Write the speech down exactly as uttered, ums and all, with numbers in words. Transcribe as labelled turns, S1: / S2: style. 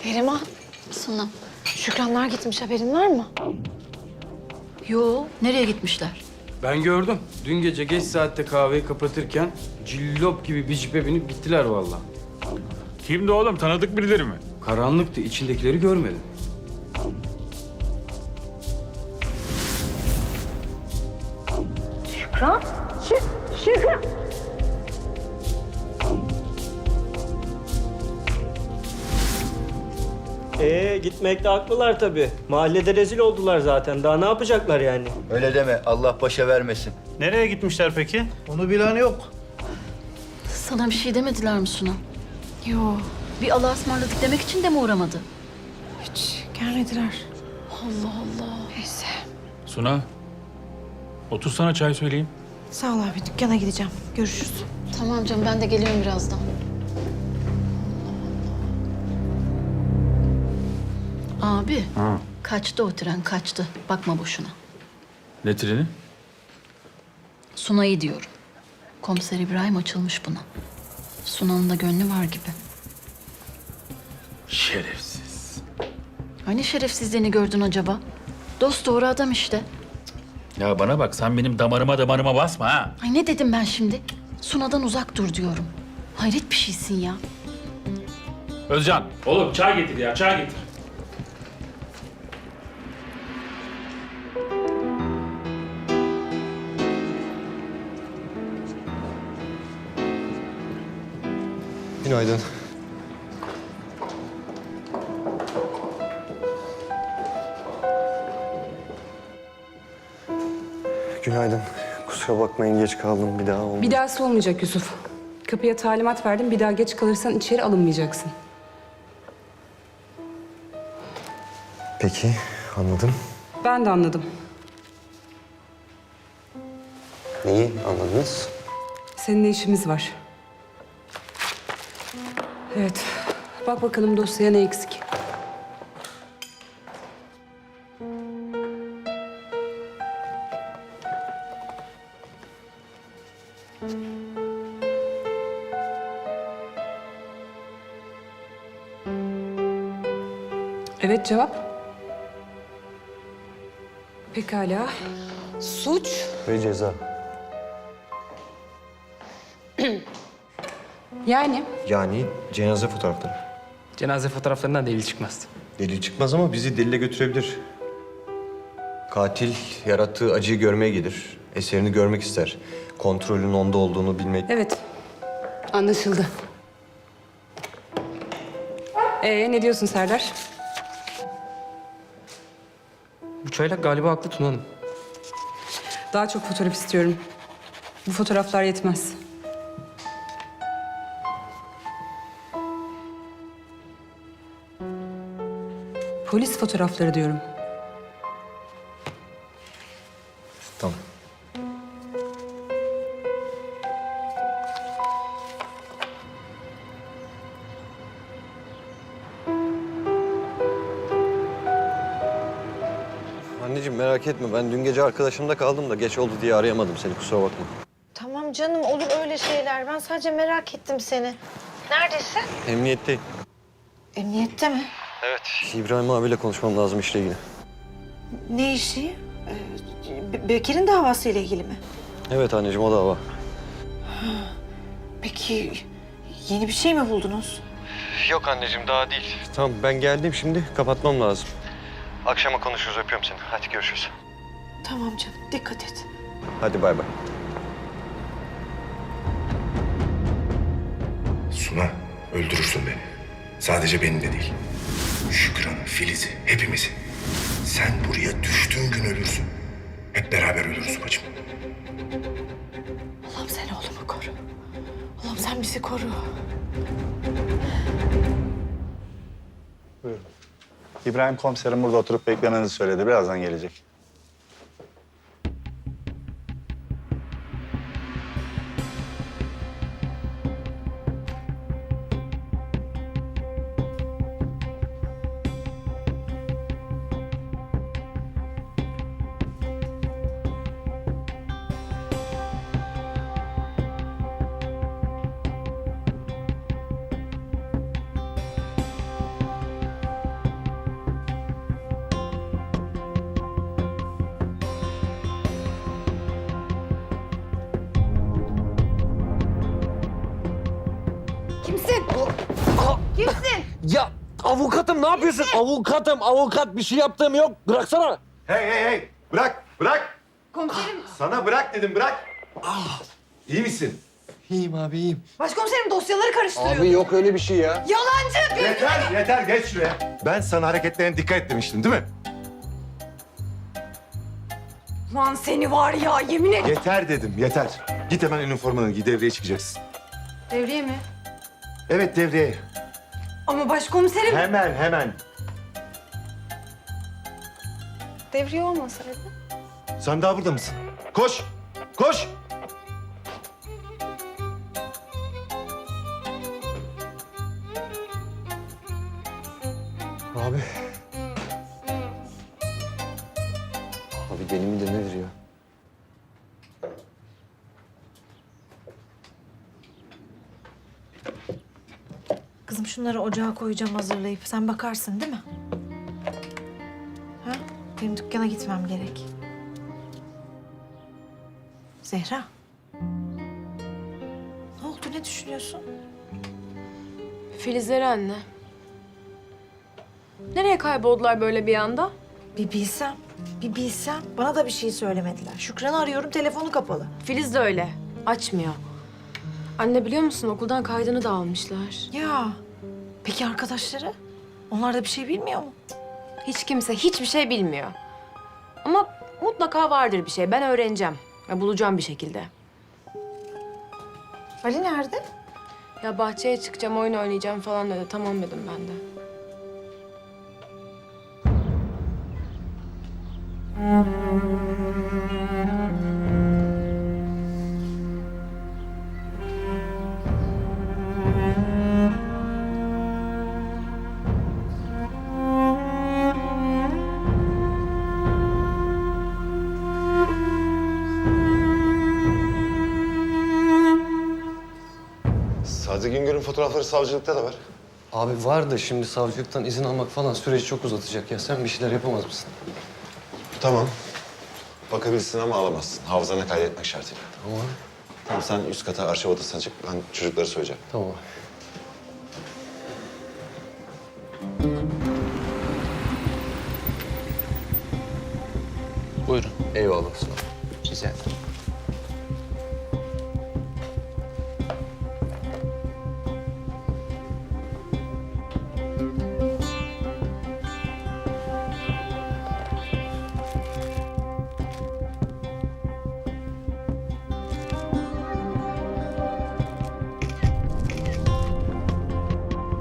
S1: Neriman,
S2: Suna.
S1: Şükranlar gitmiş, haberin var mı?
S2: Yo, nereye gitmişler?
S3: Ben gördüm. Dün gece geç saatte kahveyi kapatırken cillop gibi bir cipe binip gittiler vallahi.
S4: Kimdi oğlum? Tanıdık birileri mi?
S3: Karanlıktı, içindekileri görmedim.
S1: Şükran? Şü Şükran!
S5: Ee gitmekte haklılar tabii. Mahallede rezil oldular zaten. Daha ne yapacaklar yani?
S6: Öyle deme. Allah başa vermesin.
S4: Nereye gitmişler peki?
S7: Onu bilen yok.
S2: Sana bir şey demediler mi Suna?
S1: Yo,
S2: Bir Allah'a ısmarladık demek için de mi uğramadı?
S1: hiç gelmediler.
S2: Allah Allah.
S1: Neyse.
S4: Suna. Otur sana çay söyleyeyim.
S1: Sağ ol abi, dükkana gideceğim. Görüşürüz.
S2: Tamam canım, ben de geliyorum birazdan. Abi,
S4: Ha.
S2: kaçtı o tren, kaçtı. Bakma boşuna.
S4: Ne treni?
S2: Suna'yı diyorum. Komiser İbrahim açılmış buna. Suna'nın da gönlü var gibi.
S4: Şerefsiz.
S2: Hani şerefsizliğini gördün acaba? Dost doğru adam işte.
S4: Ya bana bak, sen benim damarıma damarıma basma ha.
S2: Ay ne dedim ben şimdi? Suna'dan uzak dur diyorum. Hayret bir şeysin ya.
S4: Özcan. Oğlum çay getir ya, çay getir.
S8: Günaydın. Günaydın. Kusura bakmayın geç kaldım bir daha olmadı.
S9: Bir dahası olmayacak Yusuf. Kapıya talimat verdim. Bir daha geç kalırsan içeri alınmayacaksın.
S8: Peki anladım.
S9: Ben de anladım.
S8: Neyi anladınız?
S9: Seninle işimiz var. Evet. Bak bakalım dosyaya ne eksik. Evet, cevap. Pekala. Suç.
S8: Ve ceza.
S9: Yani
S8: Yani cenaze fotoğrafları.
S10: Cenaze fotoğraflarından delil çıkmaz.
S8: Delil çıkmaz ama bizi delile götürebilir. Katil yarattığı acıyı görmeye gelir. Eserini görmek ister. Kontrolün onda olduğunu bilmek.
S9: evet. Anlaşıldı. Ee ne diyorsun Serdar?
S10: Bu çaylak galiba haklı Tuna Hanım.
S9: Daha çok fotoğraf istiyorum. Bu fotoğraflar yetmez. Polis fotoğrafları diyorum.
S8: Tamam. Anneciğim merak etme. Ben dün gece arkadaşımda kaldım da geç oldu diye arayamadım seni. Kusura bakma.
S1: Tamam canım, olur öyle şeyler. Ben sadece merak ettim seni. Neredesin?
S8: Emniyetteyim.
S1: Emniyette mi?
S8: İbrahim abiyle konuşmam lazım işle ilgili.
S1: Ne işi? Ee, Be- Bekir'in davasıyla ilgili mi?
S8: Evet anneciğim o dava.
S1: Peki yeni bir şey mi buldunuz?
S8: Yok anneciğim daha değil. Tamam ben geldim şimdi kapatmam lazım. Akşama konuşuruz öpüyorum seni. Hadi görüşürüz.
S1: Tamam canım, dikkat et.
S8: Hadi bay bay.
S11: Suna, öldürürsün beni. Sadece beni de değil. Şükran'ı, Filiz'i, hepimizi. Sen buraya düştüğün gün ölürsün. Hep beraber ölürüz bacım.
S1: Allah'ım sen oğlumu koru. Allah'ım sen bizi koru.
S7: İbrahim komiserim burada oturup beklemenizi söyledi. Birazdan gelecek.
S1: Kimsin?
S5: Ya avukatım ne yapıyorsun? Avukatım, avukat bir şey yaptığım yok. Bıraksana.
S11: Hey hey hey! Bırak, bırak!
S1: Komiserim.
S11: Sana bırak dedim, bırak! Ah! İyi misin?
S8: İyiyim abi iyiyim.
S1: Başkomiserim dosyaları karıştırıyor.
S8: Abi yok öyle bir şey ya.
S1: Yalancı.
S11: Yeter, yeter. Geç şuraya. Ben sana hareketlerine dikkat et demiştim, değil mi?
S1: Lan seni var ya yemin et.
S11: Yeter dedim, yeter. Git hemen üniformanı giy, devreye çıkacaksın.
S1: Devriye mi?
S11: Evet, devreye.
S1: Ama başkomiserim.
S11: Hemen, hemen.
S1: Devriye olmasaydı.
S11: Sen daha burada mısın? Koş, koş!
S8: Abi. Abi deli mi de nedir ya?
S1: Kızım şunları ocağa koyacağım hazırlayıp. Sen bakarsın değil mi? Ha? Benim dükkana gitmem gerek. Zehra. Ne oldu? Ne düşünüyorsun?
S12: Filizleri anne. Nereye kayboldular böyle bir anda?
S1: Bir bilsem, bir bilsem. Bana da bir şey söylemediler. Şükran'ı arıyorum, telefonu kapalı.
S12: Filiz de öyle. Açmıyor. Anne biliyor musun okuldan kaydını da almışlar.
S1: Ya, peki arkadaşları? Onlar da bir şey bilmiyor mu?
S12: Hiç kimse hiçbir şey bilmiyor. Ama mutlaka vardır bir şey. Ben öğreneceğim. Ya bulacağım bir şekilde.
S1: Ali nerede?
S12: Ya bahçeye çıkacağım, oyun oynayacağım falan dedi. Tamam dedim ben de.
S11: Sadi Güngör'ün fotoğrafları savcılıkta da var.
S8: Abi var da şimdi savcılıktan izin almak falan süreci çok uzatacak ya. Sen bir şeyler yapamaz mısın?
S11: Tamam. Bakabilirsin ama alamazsın. Hafızana kaydetmek şartıyla.
S8: Tamam.
S11: Tamam, sen üst kata arşiv odasına çık. Ben çocukları söyleyeceğim.
S8: Tamam.
S4: Buyurun.
S8: Eyvallah. Sağ ol.
S10: Rica ederim.